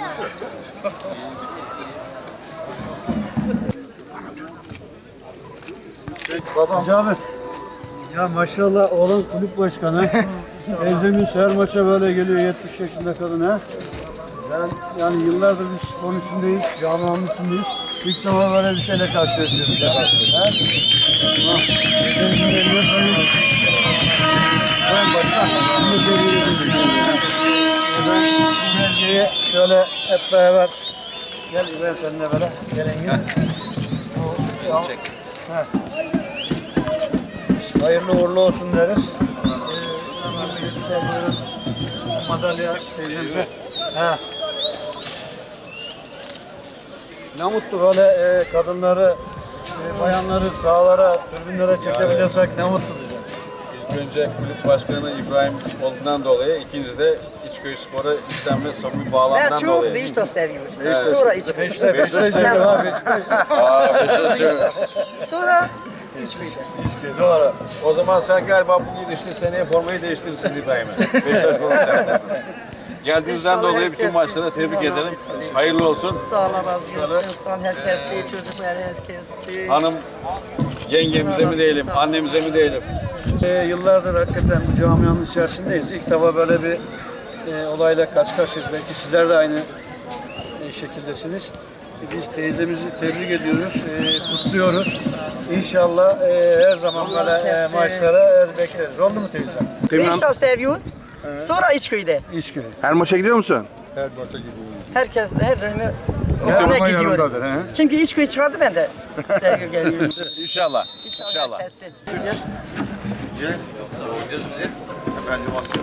Babam. Cabir. Ya maşallah oğlan kulüp başkanı. Teyzemiz her maça böyle geliyor 70 yaşında kadın ha. Ben yani yıllardır biz sporun içindeyiz, camianın içindeyiz. İlk defa böyle bir şeyle karşılaşıyoruz. Ha? Teyzemizin eline koyuyoruz. Ben başkan. Şimdi geliyoruz. Ben bu belgeyi şöyle hep beraber gel İbrahim seninle böyle gelin gel. Çek. Hayırlı uğurlu olsun deriz. Madalya teyzemize. Ne mutlu böyle kadınları, bayanları sahalara, tribünlere çekebiliyorsak ne mutlu bize. İlk önce kulüp başkanı İbrahim olduğundan dolayı, ikincisi de İçköy Spor'a içten ve samimi bağlamdan Ben dolayı. çok Beşiktaş seviyorum. Evet. Sonra İçköy. Beşiktaş seviyorum. Sonra İçköy. Doğru. O zaman sen galiba bu gidişle seneye formayı değiştirirsin İbrahim'e. Beşiktaş forması. Geldiğinizden İnşallah dolayı bütün herkes maçlara iyisin. tebrik Allah ederim. razı olsun. Hayırlı olsun. Sağ olun, razı olsun. Sağ olun herkesi, çocuklar herkesi. Hanım yengemize mi diyelim, annemize mi diyelim? Yıllardır hakikaten bu camianın içerisindeyiz. İlk defa böyle bir olayla karşı karşıyayız. Belki sizler de aynı şekildesiniz. Biz teyzemizi tebrik ediyoruz, kutluyoruz. İnşallah her zaman böyle maçlara bekleriz. Oldu mu teyze? Beşiktaş seviyor. Sonra İçköy'de. İçköy. Her maça gidiyor musun? Herkes her dönemi Her okula zaman gidiyor. yanımdadır, he? Çünkü İçköy çıkardı ben de sevgi geliyorum. İnşallah. İnşallah herkesi. Efendim,